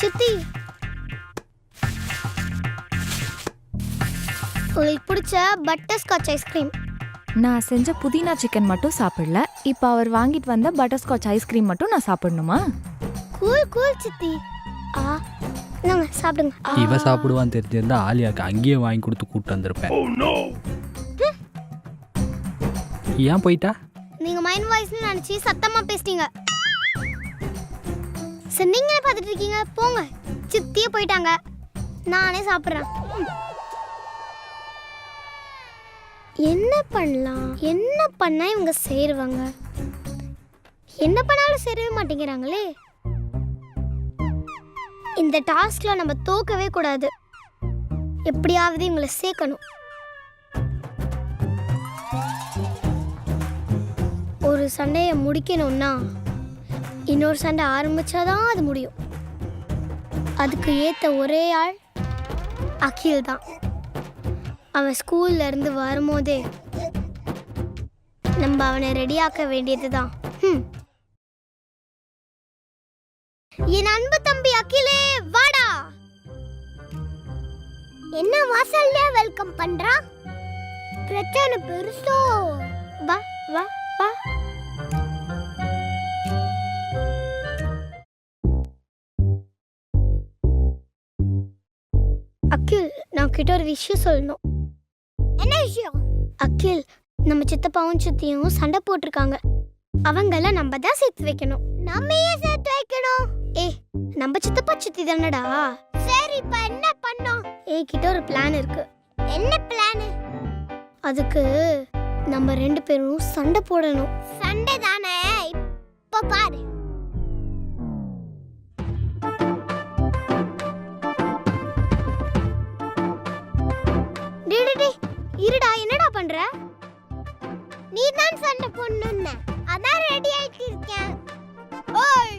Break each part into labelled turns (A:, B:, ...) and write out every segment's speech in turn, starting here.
A: சித்தி, உங்களுக்கு பிடிச்ச பட்டர் ஸ்காட்ச் ஐஸ்கிரீம்.
B: நான் செஞ்ச புதினா சிக்கன் மட்டும் சாப்பிடல. இப்போ அவர் வாங்கிட்டு வந்த பட்டர் ஸ்காட்ச் ஐஸ்கிரீம் மட்டும் நான் சாப்பிடணுமா?
A: கூல் கூல் சித்தி. நாங்க சாப்பிடுங்க.
C: இவ சாப்பிடுவான்னு தெரிஞ்சிருந்தா ஆலியாக்கு அங்கேயே வாங்கி கொடுத்து கூப்பிட்டு வந்திருப்பேன். ஏன் போயிட்டா?
A: நீங்க மைண்ட் வாய்ஸ்னு நினைச்சு சத்தமா பேசிட்டீங்க. சரி, நீங்களே பார்த்துட்டு இருக்கீங்க, போங்க. சித்தியே போயிட்டாங்க, நானே சாப்பிட்றேன். என்ன பண்ணலாம், என்ன பண்ணா இவங்க சேருவாங்க? என்ன பண்ணாலும் சேரவே மாட்டேங்கிறாங்களே. இந்த டாஸ்க்ல நம்ம தோக்கவே கூடாது. எப்படியாவது இவங்களை சேர்க்கணும். ஒரு சண்டையை முடிக்கணும்னா இன்னொரு சண்டை ஆரம்பிச்சாதான் அது முடியும். அதுக்கு ஏற்ற ஒரே ஆள் அகில் தான். அவன் ஸ்கூல்ல இருந்து வரும்போதே நம்ம அவனை ரெடியாக்க வேண்டியது தான். என் அன்பு தம்பி அகிலே, வாடா. என்ன வாசல்ல வெல்கம் பண்றா? பிரச்சனை பெருசோ? வா வா வா. அகில், நான் கிட்ட ஒரு விஷயம் சொல்லணும். என்ன விஷயம்? அகில், நம்ம சித்தப்பாவும் சித்தியும் சண்டை போட்டிருக்காங்க. அவங்கள நம்ம தான் சேர்த்து வைக்கணும். நம்ம ஏன் சேர்த்து வைக்கணும்? நம்ம சித்தப்பா சித்தி தானடா. சரி, இப்ப என்ன பண்ணோம்? கிட்ட ஒரு பிளான் இருக்கு. என்ன பிளான்? அதுக்கு நம்ம 2 பேரும் சண்டை போடணும். சண்டை தானே, இப்ப பாரு. இருடா, என்னடா பண்ற? நீ தான் சண்டை போடணும்னு அதான் ரெடி ஆயிட்டு இருக்கேன். ஓய்,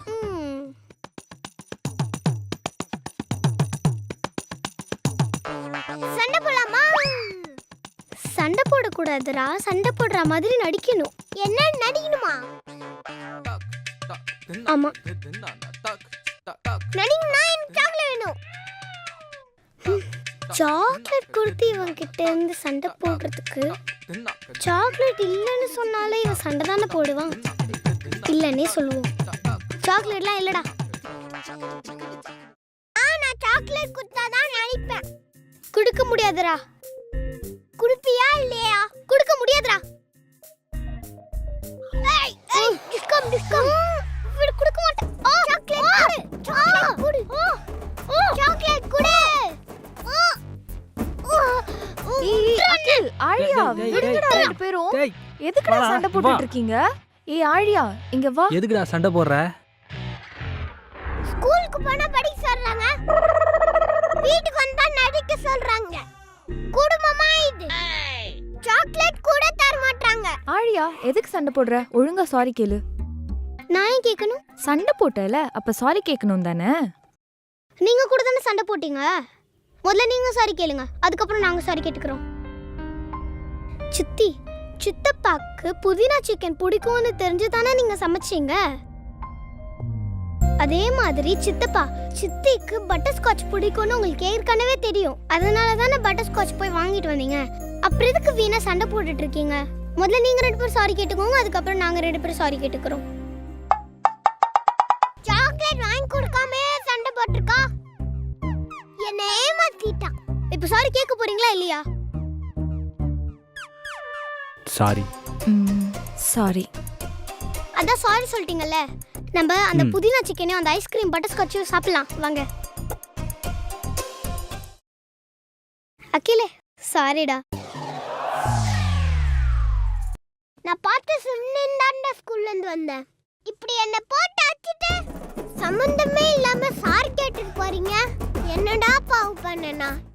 A: சண்டை போடலாமா? சண்டை போடக்கூடாதுடா, சண்டை போடுற மாதிரி நடிக்கணும். என்ன நடிக்கணுமா? ஆமா, நடிக்கணும்னா எனக்கு சாக்லேட் வேணும். சாக்லேட் கொடுத்து இவன் கிட்ட இருந்து சண்டை போடுறதுக்கு சாக்லேட் இல்லைன்னு சொன்னாலே இவன் சண்டை தானே போடுவான். இல்லன்னே சொல்லுவோம். சாக்லேட்லாம் இல்லடா. நான் சாக்லேட் கொடுத்தாதான் நினைப்பேன். கொடுக்க முடியாதுடா. குடுப்பியா இல்லையா? கொடுக்க முடியாதுடா. டிஸ்கம் டிஸ்கம் கொடுக்க மாட்டேன். சாக்லேட் கொடு. சாக்லேட் கொடு.
B: அகில், ஆழியா, விடுங்கடா 2 பேரும். எதுக்குடா சண்டை போட்டுட்டு இருக்கீங்க? ஆழியா, இங்க வா.
C: எதுக்குடா சண்டை போடுற?
A: ஸ்கூலுக்கு போனா படிக்க சொல்றாங்க, வீட்டுக்கு வந்தா நடிக்க சொல்றாங்க. குடும்பமா இது? சாக்லேட் கூட தர மாட்டாங்க.
B: ஆழியா, எதுக்கு சண்டை போடுற? ஒழுங்கா சாரி கேளு.
A: நான் ஏன் கேட்கணும்?
B: சண்டை போட்டல, அப்ப சாரி கேட்கணும் தானே?
A: நீங்க கூட தானே சண்டை போட்டீங்க. முதல்ல நீங்க சாரி கேளுங்க, அதுக்கப்புறம் நாங்க சாரி கேட்டுக்கிறோம். சித்தி, சித்தப்பாக்கு புதினா சிக்கன் பிடிக்கும்னு தெரிஞ்சு தானே நீங்க சமைச்சீங்க. அதே மாதிரி சித்தப்பா சித்திக்கு பட்டர் ஸ்காட்ச் பிடிக்கும்னு உங்களுக்கு ஏற்கனவே தெரியும். அதனால தானே பட்டர் ஸ்காட்ச் போய் வாங்கிட்டு வந்தீங்க. அப்புறம் எதுக்கு வீணா சண்டை போட்டுட்டு இருக்கீங்க? முதல்ல நீங்க 2 பேரும் சாரி கேட்டுக்கோங்க, அதுக்கப்புறம் நாங்க 2 பேரும் சாரி கேட்டுக்கிறோம். சாக்லேட் வாங்கி கொடுக்காம சண்டை போட்டுருக்கா. என்ன ஏமாத்திட்டா. இப்ப சாரி கேட்க போறீங்களா இல்லையா?
C: சாரி.
B: சாரி.
A: அதான் சாரி சொல்லிட்டீங்கல்ல. நம்ம அந்த புதினா சிக்கனையும் அந்த ஐஸ்கிரீம் பட்டர் ஸ்காட்சையும் சாப்பிடலாம் வாங்க. அகிலே, சாரிடா. நான் பார்த்து சொன்னேன்டா, ஸ்கூல்ல இருந்து வந்தேன். இப்படி என்ன போட்டு அடிச்சிட்டு சம்பந்தமே இல்லாம சாரி கேட்டுட்டு போறீங்க. என்னடா பாவம் பண்ணனா?